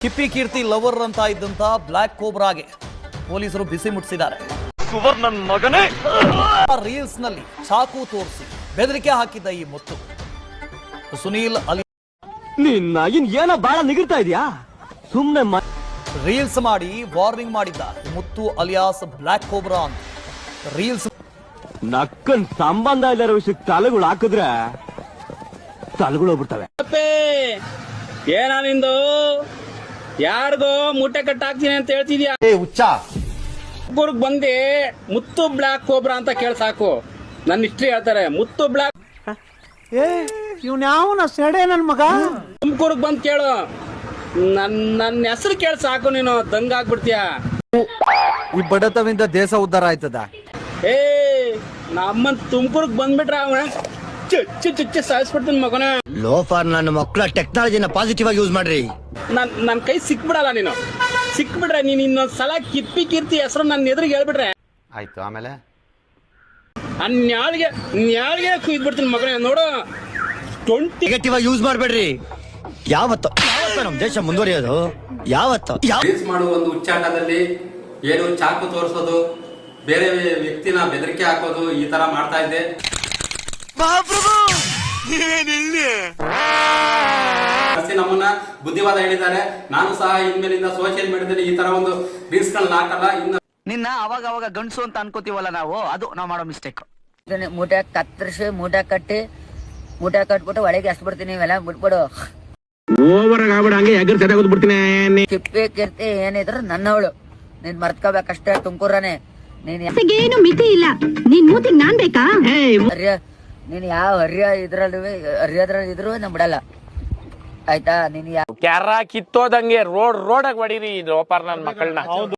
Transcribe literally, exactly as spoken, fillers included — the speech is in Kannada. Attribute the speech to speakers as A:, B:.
A: ಕಿಪ್ಪಿ ಕೀರ್ತಿ ಲವರ್ ಅಂತ ಇದ್ದಂತ ಬ್ಲಾಕ್ ಕೋಬ್ರಾಗೆ ಪೊಲೀಸರು ಬಿಸಿ ಮುಟ್ಟಿಸಿದ್ದಾರೆ.
B: ಸುವರ್ಣನ್ ಮಗನೇ
A: ರೀಲ್ಸ್ ನಲ್ಲಿ ಚಾಕು ತೋರಿಸಿ ಬೆದರಿಕೆ ಹಾಕಿದ್ದ ಈ ಮುತ್ತು ಸುನೀಲ್ ಅಲಿ
B: ನಿನ್ನಾಗಿನ್ ಏನೋ ಬಾಳ ನಿಗಿರ್ತಾ ಇದೆಯಾ ಸುಮ್ನೆ
A: ರೀಲ್ಸ್ ಮಾಡಿ ವಾರ್ನಿಂಗ್ ಮಾಡಿದ್ದ ಮುತ್ತು ಅಲಿಯಾಸ್ ಬ್ಲಾಕ್ ಕೋಬ್ರಾ ಅಂತ. ರೀಲ್ಸ್
B: ನಕ್ಕನ್ ಸಂಬಂಧ ಇಲ್ಲರ ವಿಷಯಕ್ಕೆ ತಲೆಗಳು ಹಾಕಿದ್ರೆ ತಲೆಗಳು ಹೋಗ್ಬಿಡ್ತವೆ.
C: ಏನ ನಿಂದು ಯಾರಿಗೋ ಮೂಟೆ ಕಟ್ಟಾಕ್ತೀನಿ ಅಂತ ಹೇಳ್ತಿದ್ಯಾ? ಊರ್ಗ್ ಬಂದಿ ಮುತ್ತು ಬ್ಲಾಕ್ ಕೋಬ್ರಾ ಅಂತ ಕೇಳ ಸಾಕು. ನನ್ನ ಹಿಸ್ಟ್ರಿ ಹೇಳ್ತಾರೆ. ಮುತ್ತು ಬ್ಲಾಕ್
D: ಏ ಇವ್ನ ಯಾವನ ಸೆಡೆ ನನ್ ಮಗ.
C: ತುಮಕೂರ್ಗ್ ಬಂದ್ ಕೇಳು, ನನ್ ನನ್ನ ಹೆಸರು ಕೇಳ ಸಾಕು, ನೀನು ದಂಗ ಆಗ್ಬಿಡ್ತೀಯ.
D: ಈ ಬಡತವಿಂದ ದೇಶ ಉದ್ಧಾರ ಆಯ್ತದ.
C: ಏ ನಮ್ಮನ್ ತುಮಕೂರ್ಗ್ ಬಂದ್ಬಿಟ್ರ ಅವನ ಚುಚ್ಚು ಚುಚ್ಚು ಸಾಯಿಸ್ಬಿಡ್ತೀನಿ ಮಗನ.
E: ಲೋಫಾರ್ ನನ್ನ ಮಕ್ಕಳ ಟೆಕ್ನಾಲಜಿನ ಪಾಸಿಟಿವ್ ಆಗಿ ಯೂಸ್ ಮಾಡ್ರಿ.
C: ನನ್ ನನ್ ಕೈ ಸಿಕ್ಬಿಡಲ್ಲ, ನೀನು ಸಿಕ್ಬಿಟ್ರೆ ನೀನ್ ಇನ್ನೊಂದ್ ಸಲ ಕಿಪ್ಪಿ ಕೀರ್ತಿ ಹೆಸರು ನನ್ನ ಎದುರಿಗೆ ಹೇಳ್ಬಿಟ್ರೆ
F: ಆಯ್ತು. ಆಮೇಲೆ
C: ನ್ಯಾಳಿಗೆ ನ್ಯಾಳಿಗೆ ಕುಯ್ದ್ಬಿಡ್ತೀನಿ ಮಗನೇ. ನೋಡು ಟ್ವೆಂಟಿ
E: ನೆಗೆಟಿವ್ ಆಗಿ ಯೂಸ್ ಮಾಡ್ಬೇಡ್ರಿ. ಯಾವತ್ತು ಯಾವತ್ತ ನಮ್ ದೇಶ ಮುಂದುವರಿಯೋದು? ಯಾವತ್ತು
G: ರೀಲ್ಸ್ ಮಾಡುವ ಒಂದು ಉಚ್ಚಾಟದಲ್ಲಿ ಏನು ಚಾಕು ತೋರಿಸೋದು, ಬೇರೆ ವ್ಯಕ್ತಿನ ಬೆದರಿಕೆ ಹಾಕೋದು, ಈ ತರ ಮಾಡ್ತಾ ಇದ್ದೆ. ನಮ್ಮನ್ನ ಬುದ್ಧಿವಾದ ಹೇಳಿದ್ದಾರೆ. ನಾನು ಸಹ ಇನ್ಮೇಲಿಂದ ಸೋಷಿಯಲ್ ಮೀಡಿಯಾದಲ್ಲಿ ಈ ತರ ಒಂದು ರೀಲ್ಸ್ ಗಳನ್ನ ಹಾಕಲ್ಲ. ಇನ್ನು
H: ನಿನ್ನ ಅವಾಗ ಅವಾಗ ಗಂಡಸು ಅಂತ ಅನ್ಕೋತೀವಲ್ಲ ನಾವು, ಅದು ನಾವು ಮಾಡೋ ಮಿಸ್ಟೇಕ್.
I: ಮೂಟೆ ಕತ್ತರಿಸಿ ಮೂಟೆ ಕಟ್ಟಿ ಮೂಟೆ ಕಟ್ಬಿಟ್ಟು ಒಳಗೆ ಎಸ್ ಬಿಡ್ತೀನಿ. ಇವೆಲ್ಲ ಬಿಟ್ಬಿಡು.
C: ಓವರ್ ಆಗ್ಬಿಡ, ಹಂಗೆ ಎಗರ್ ಸೆದಾಗೋದು ಬಿಡ್ತೀನಿ.
I: ಕಿಪ್ಪಿ ಕೀರ್ತಿ ಏನಿದ್ರು ನನ್ನವಳು, ನೀನ್ ಮರ್ತ್ಕೋಬೇಕಷ್ಟೇ. ತುಮಕೂರನೆ ನೀನ್
J: ಏನು ಮಿತಿ ಇಲ್ಲ. ನೀನ್ ಮೂತಿಗ್ ನಾನ್ ಬೇಕಾ?
I: ಹರ್ಯ ನೀನ್ ಯಾವ ಹರ್ಯ ಇದ್ರಲ್ಲಿ ಹರ್ಯದ್ರಲ್ಲಿ ಇದ್ರು ನಮ್ ಬಿಡಲ್ಲ, ಆಯ್ತಾ? ನೀನ್
C: ಕ್ಯಾರ ಕಿತ್ತೋದಂಗೆ ರೋಡ್ ರೋಡಾಗ ಹೊಡೀರಿ ಲೋಪಾರ್ ನನ್ ಮಕ್ಕಳನ್ನ.